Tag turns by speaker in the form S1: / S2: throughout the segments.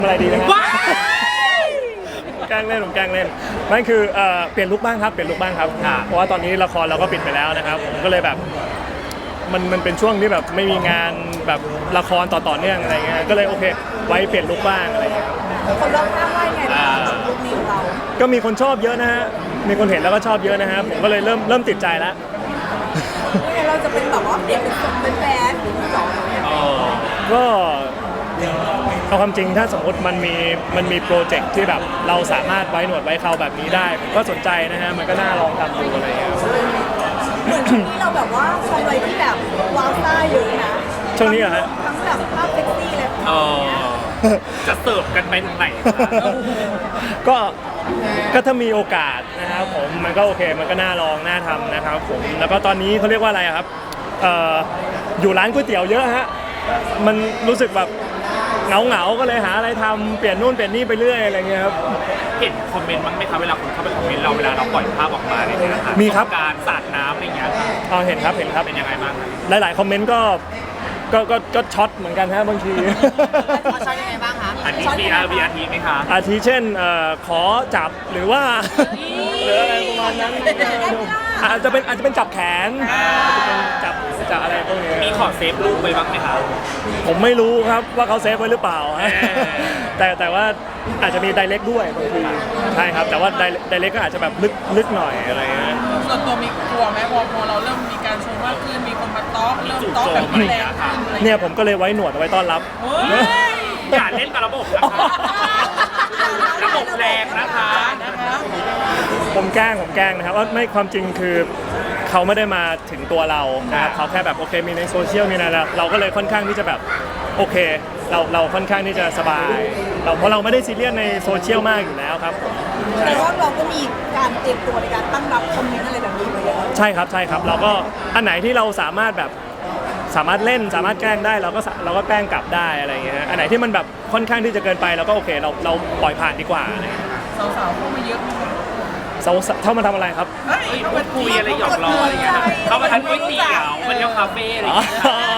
S1: อะไรดีนะฮะแกล้งเล่นผมแกล้งเล่นนั่นคือเปลี่ยนลุคบ้างครับเปลี่ยนลุคบ้างครับเพราะว่าตอนนี้ละครเราก็ปิดไปแล้วนะครับผมก็เลยแบบมันเป็นช่วงที่แบบไม่มีงานแบบละครต่อเนื่องอะไรเงี้ยก็เลยโอเคไว้เปลี่ยนลุคบ้างอะไรเงี้ย
S2: คนรอบข้างว่าไงบ้างลุคนี้ของเรา
S1: ก็มีคนชอบเยอะนะฮะมีคนเห็นแล้วก็ชอบเยอะนะฮะผมก็เลยเริ่มติดใจแล้ว
S2: เราจะเป็นแบบว่าเปลี่ยนเป็นคนเป็นแฟนหรือสอง
S1: ก็เอาความจริงถ้าสมมติมันมีโปรเจกต์ที่แบบเราสามารถไว้หนวดไว้เคราแบบนี้ได้ผมก็สนใจนะฮะมันก็น่าลองทำดูอะไรเงี้ย
S2: เหมือนช่วงนี้เราแบบว่าทำอะไรที่แบบว้าวซ่าเยอะนะ
S1: ช่วงนี้เหรอฮะ
S2: ทั้งแบบภาพเซ็กซี่เลย
S3: จะเสิร์ฟกันไปถึงไหน
S1: ก็ถ้ามีโอกาสนะครับผมมันก็โอเคมันก็น่าลองน่าทำนะครับผมแล้วก็ตอนนี้เขาเรียกว่าอะไรครับอยู่ร้านก๋วยเตี๋ยวเยอะฮะมันรู้สึกแบบเหงาก็เลยหาอะไรทำเปลี่ยนนู่นเปลี่ยนนี่ไปเรื่อยอะไรเงี้ยครับ
S3: เห็นคอมเมนต์บ้างไหมครับเวลาคนเข้าไปคอมเมนต์เราเวลาเราปล่อยภาพออกมาเนี่ยนะครับ
S1: มีครับ
S3: การสาดน้ำอะไรเงี้ย
S1: เห็นครับ
S3: เป็นยังไงบ้าง
S1: หลายๆคอมเมนต์ก็ช็อตเหมือนกันฮะบางที
S2: ช็อตยังไงบ้างคะ
S3: อันนี้มีอาทิไหมคะ
S1: อาทิเช่นขอจับหรือว่าหรืออะไรประมาณนั้นอาจจะเป็นจับแขนจับอะไรพวกนี้
S3: มีขอเซฟรูปไว้บ้างไหมคะ
S1: ผมไม่รู้ครับว่าเขาเซฟไว้หรือเปล่าแต่ว่าอาจจะมีไดเรกด้วยบางทีใช่ครับแต่ว่าไดเรกก็อาจจะแบบลึกหน่อยอะไรเงี้ย
S4: ส่วนตัวมีกลัวไหมพอเราเริ่มมีการชมมากขึ้นมีคนมาต๊อกเริ่มต๊อกแบบแรงขึ้น
S1: เนี่ยผมก็เลยไว้หนวดเอาไว้ต้อนรับ
S3: อย่าเล่นกับระบบนะคะระบบแรงนะคะ
S1: ผมแกล้งนะครับว่าไม่ความจริงคือเขาไม่ได้มาถึงตัวเรานะครับเขาแค่แบบโอเคมีในโซเชียลมีอะไรเราก็เลยค่อนข้างที่จะแบบโอเคเราค่อนข้างที่จะสบายเพราะเราไม่ได้ซีเรียสในโซเชียลมากอยู่แล้วครับ
S2: แต่ว่าเราก็มีการเตรียมตัวในการตั้งรับคอมเมนต์อะไรแบบนี้ไว้แล้ว
S1: ใช่ครับเราก็อันไหนที่เราสามารถเล่นสามารถแกล้งได้เราก็แกล้งกลับได้อะไรอย่างเงี้ยอันไหนที่มันแบบค่อนข้างที่จะเกินไปเราก็โอเคเราปล่อยผ่านดีกว่าอะไร
S4: สาวๆเข้ามาเยอะไหม
S1: เข้ามาทำอะไรครับ
S3: เขามาคุยอะไรหยอกล้ออะไรเงี้ยเขามาทานก๋วยเตี๋ยวมาเที่ยวคาเฟ่อะไรอย่างเงี้ย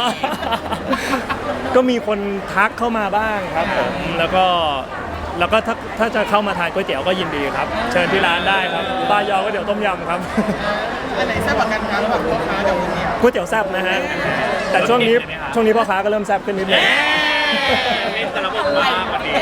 S1: ก็มีคนทักเข้ามาบ้างครับผมแล้วก็ถ้าจะเข้ามาทานก๋วยเตี๋ยวก็ยินดีครับเชิญที่ร้านได้ครับบ้ายอก๋วยเตี๋ยวต้มยำครับ
S4: อันไหนแซ่บกว่ากันครับระหว่างพ่อค้ากับ
S1: ก๋วยเตี๋ยวแซ่บนะฮะแต่ช่วงนี้พ่อค้าก็เริ่มแซ่บขึ้นนิดนึง
S3: เล่นแต่ระบบมากกว่านี้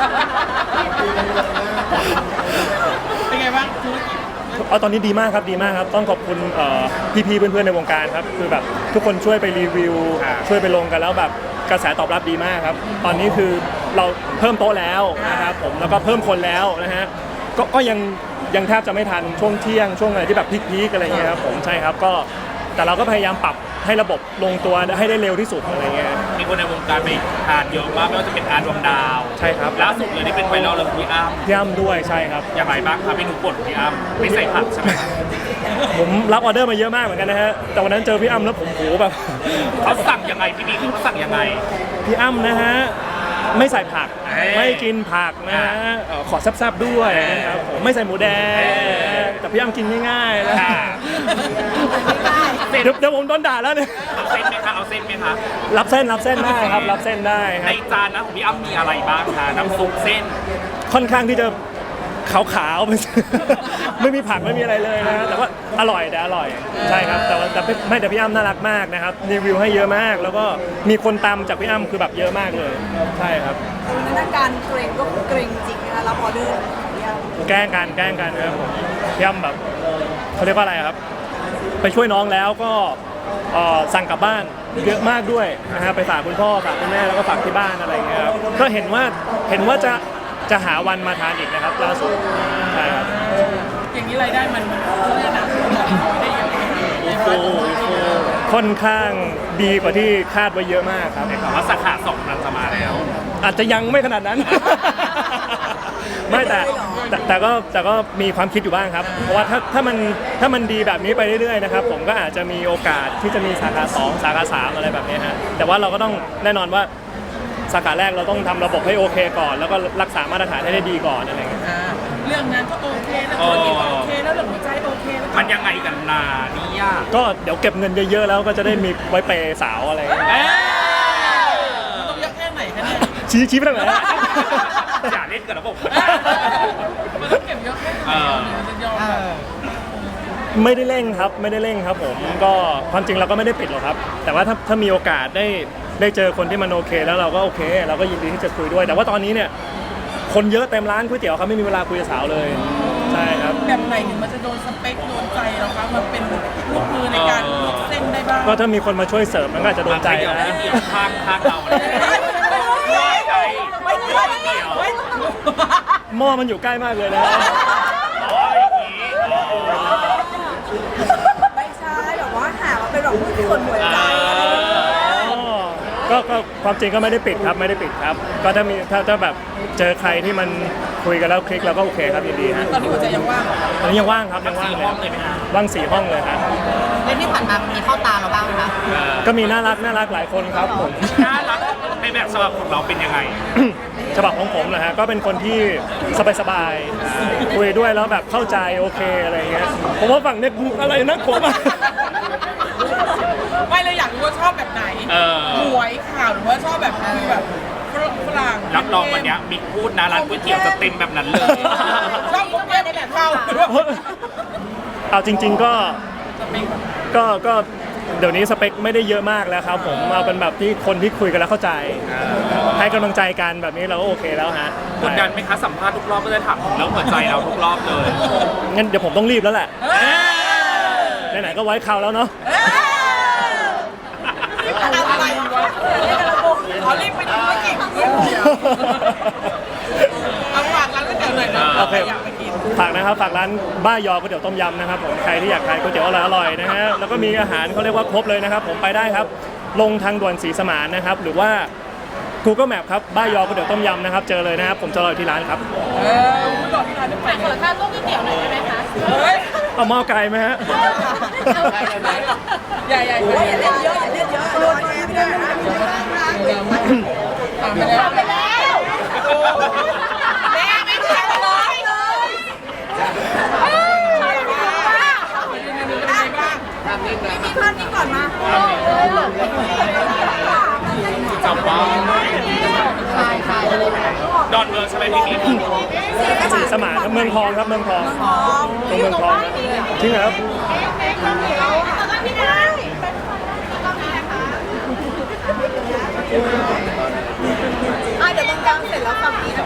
S4: เป็นไงบ้างธุรกิจ
S1: ตอนนี้ดีมากครับต้องขอบคุณพี่ๆเพื่อนๆในวงการครับคือแบบทุกคนช่วยไปรีวิวช่วยไปลงกันแล้วแบบกระแสตอบรับดีมากครับตอนนี้คือเราเพิ่มโต๊ะแล้วนะครับผมแล้วก็เพิ่มคนแล้วนะฮะก็ยังแทบจะไม่ทันช่วงเที่ยงช่วงอะไรที่แบบพีคๆอะไรเงี้ยครับผมใช่ครับก็แต่เราก็พยายามปรับให้ระบบลงตัวให้ได้เร็วที่สุดอะไรเงี้ย
S3: มีคนในวงการไปทานเยอะมากไม่ว่าจะเป็นอาร์ดวงดาว
S1: ใช่ครับ
S3: ล่าสุดเลยที่เป็นไวรัลเลยพี่อ้ำ
S1: ด้วยใช่ครับ
S3: อย่างไรบ้างครับเมนูโปรดของพี่อ้ำไม่ใส่ผักใช่ไหม
S1: ผมรับออเดอร์มาเยอะมากเหมือนกันนะฮะแต่วันนั้นเจอพี่อ้ำแล้วผมโหแบบ
S3: เขาสั่งยังไงพี่บิ๊กเขาสั่งยังไง
S1: พี่อ้ำนะฮะไม่ใส่ผักไม่กินผักนะฮะขอแซ่บๆด้วยนะครับผมไม่ใส่หมูแดงแต่พี่อ้ำกินง่ายๆนะเดี๋ยวผมโดนด่าแล้วเนี่ย
S3: เอาเส้นไหมคะ
S1: รับเส้นได้ครับรับเส้นได้ครับ
S3: ในจานนะของพี่อ้ำมีอะไรบ้างคะน้ำซุปเส้น
S1: ค่อนข้างที่จะขาวๆไม่มีผักไม่มีอะไรเลยนะแต่ว่าอร่อยใช่ครับแต่พี่อ้ำน่ารักมากนะครับรีวิวให้เยอะมากแล้วก็มีคนตามจากพี่อ้ำคือแบบเยอะมากเลยใช่ครับ
S2: สถานการณ์เกรงก็เกรงจริงนะคะรับออเดอร์
S1: แกล้งกันครับพี่อ้ำแบบเขาเรียกว่าอะไรครับไปช่วยน้องแล้วก็สั่งกลับบ้านเยอะมากด้วยนะฮะไปฝากคุณพ่อฝากคุณแม่แล้วก็ฝากที่บ้านอะไรเงี้ยครับก็เห็นว่าจะหาวันมาทานอีกนะครับล่าสุดใช่ครับ
S4: อย่างนี้รายได้มันเรียกนะได้เยอะ
S1: ค่อนข้างดีกว่าที่คาดไว้เยอะมากครับ
S3: แต่ว่าสาขา2มันจะมาแล้ว
S1: อาจจะยังไม่ขนาดนั้นไม่แต่ก็มีความคิดอยู่บ้างครับเพราะว่าถ้ามันดีแบบนี้ไปเรื่อยๆนะครับผมก็อาจจะมีโอกาสที่จะมีสาขา2สาขา3อะไรแบบนี้ฮะแต่ว่าเราก็ต้องแน่นอนว่าสาขาแรกเราต้องทำระบบให้โอเคก่อนแล้วก็รักษามาตรฐานให้ได้ดีก่อนอะไรเงี้ย
S4: เรื่องงานก็โอเคแล้วธุรกิจโอเคแล้วเรื่องหัวใจโอเคแล้ว
S3: มันยังไงกันล่ะนี่ยาก
S1: ก็เดี๋ยวเก็บเงินเยอะๆแล้วก็จะได้มีไว้เปย์สาวอะไร
S4: ต้องเยอะแค่ไหนคะเนี่ย
S1: ชี้ไปทางไหนอะ
S3: อย่าเล่นกับระบบ
S4: มันต้องเก็บเยอะแค่ไหนมันจะยอมแบบ
S1: ไม่ได้เร่งครับไม่ได้เร่งครับผมก็ความจริงเราก็ไม่ได้ปิดหรอกครับ แต่ว่าถ้ามีโอกาสได้เจอคนที่มันโอเค แล้วเราก็โอเค เราก็ยินดีที่จะคุยด้วย แต่ว่าตอนนี้เนี่ยคนเยอะเต็มร้านก๋วยเตี๋ยวครับไม่มีเวลาคุยกับสาวเลยใช่ครับ
S4: แบบไหนถึงมันจะโดนสเปคโดนใจเราคะมันเป็นลูกมือในการลวกเส้นได้บ้าง
S1: ก็ถ้ามีคนมาช่วยเสิร์ฟมันก็อาจจะโดนใจ
S3: เดี๋ยว
S1: นะ
S3: เดี๋ยวข้างเราเลยใจ
S2: ไม่ได้ไม่ได้ไม่ได้
S1: หม้อมันอยู่ใกล้มากเลยนะ
S3: อ๋ออย่างนี้
S2: ไม่ใช่แบบว่าหาว่าเป็นแบบส่วนหัวใจอะไรอย่างเงี้ย
S1: ก็ความจริงก็ไม่ได้ปิดครับไม่ได้ปิดครับ ก็ถ้าแบบเจอใครที่มันคุยกันแล้วคลิกเราก็โอเคครับยินดีฮะ
S4: ตอนนี้หัวใจยังว่างเหรอ
S1: ตอนนี้ยังว่างครับยังว่าง
S3: 4 ห้องเลยไหมฮะ
S1: ว่าง4 ห้องเลยครับ
S5: เรื่องที่ผ่านมามีเข้าตาเราบ้างไหมคะ
S1: ก็มีน่ารักหลายคนครับผม
S3: น่ารักในแบบฉบับของเราเป็นยังไง
S1: ฉบับของผมนะฮะก็เป็นคนที่สบายๆคุยด้วยแล้วแบบเข้าใจโอเคอะไรเงี้ยผมว่าฝั่งเนี้ยอะไรนะผมอะ
S4: ไม่เลยอยากรู้ว่าชอบแบบไหนหวยข่าวหรือว่าชอบแบบคุยแบบฝรั่ง
S3: รับรองวันเนี้ยมิกพูดนะร้านก๋วยเตี๋ยวจะเต็มแบบนั้นเลย
S4: ชอบคนในแบบเข้า
S1: เอาจริง ๆก็เดี๋ยวนี้สเปคไม่ได้เยอะมากแล้วครับผมเอาเป็นแบบที่คนที่คุยกันแล้วเข้าใจ ให้กำลังใจกันแบบนี้เราก็โอเคแล้วฮะ
S3: กดดันไหมคะสัมภาษณ์ทุกรอบก็จะถามถึงเรื่องหัวใจเราทุกรอบเลย
S1: งั้นเดี๋ยวผมต้องรีบแล้วแหละไหนๆก็ไว้คราวแล้วเนาะ
S2: อะไรวะเรียกกันระบบ
S4: ขอรีบไปดูไม่เก่งเอาฝากร้านก๋วยเตี๋ยวหน่อยนะ
S1: โอเค
S4: อยากไปกิน
S1: ฝากนะครับฝากร้านบ้ายอก๋วยเตี๋ยวต้มยำนะครับผมใครที่อยากทานก๋วยเตี๋ยวอร่อยๆนะฮะแล้วก็มีอาหารเขาเรียกว่าครบเลยนะครับผมไปได้ครับ ลงทางด่วนศรีสมานนะครับหรือว่า Google Map ครับบ้ายอก๋วยเตี๋ยวต้มยำนะครับเจอเลยนะครับผมจะรออยู่ที่ร้านครับ
S4: คุณบอกที่ร้านได้ไป
S5: เปิดค่าต้มก๋วยเตี๋ยวหน่อยได้ไหมคะ
S4: เฮ้ย
S1: เอาหม้อไก่ไหมฮะ
S4: ใหญ่
S2: โอ้ยอย่าเล่นเยอะอย่าเล่นเยอะโดนไม่ได้นะ
S4: ถามไปแล้ว
S5: ไปแล้ว
S4: แม่ไม่ใช่เลย
S2: มีภาพนี้ก่อนมา
S3: จับว่าดอนเมืองใช่ไหมพี่มิก
S1: ศรีสมานครับเมืองทองครับเมืองทองตรงเมืองทองจริงเหรอครับ
S2: เดี๋ยวตรงกลางเสร็จแล้วฝั่งนี้นะ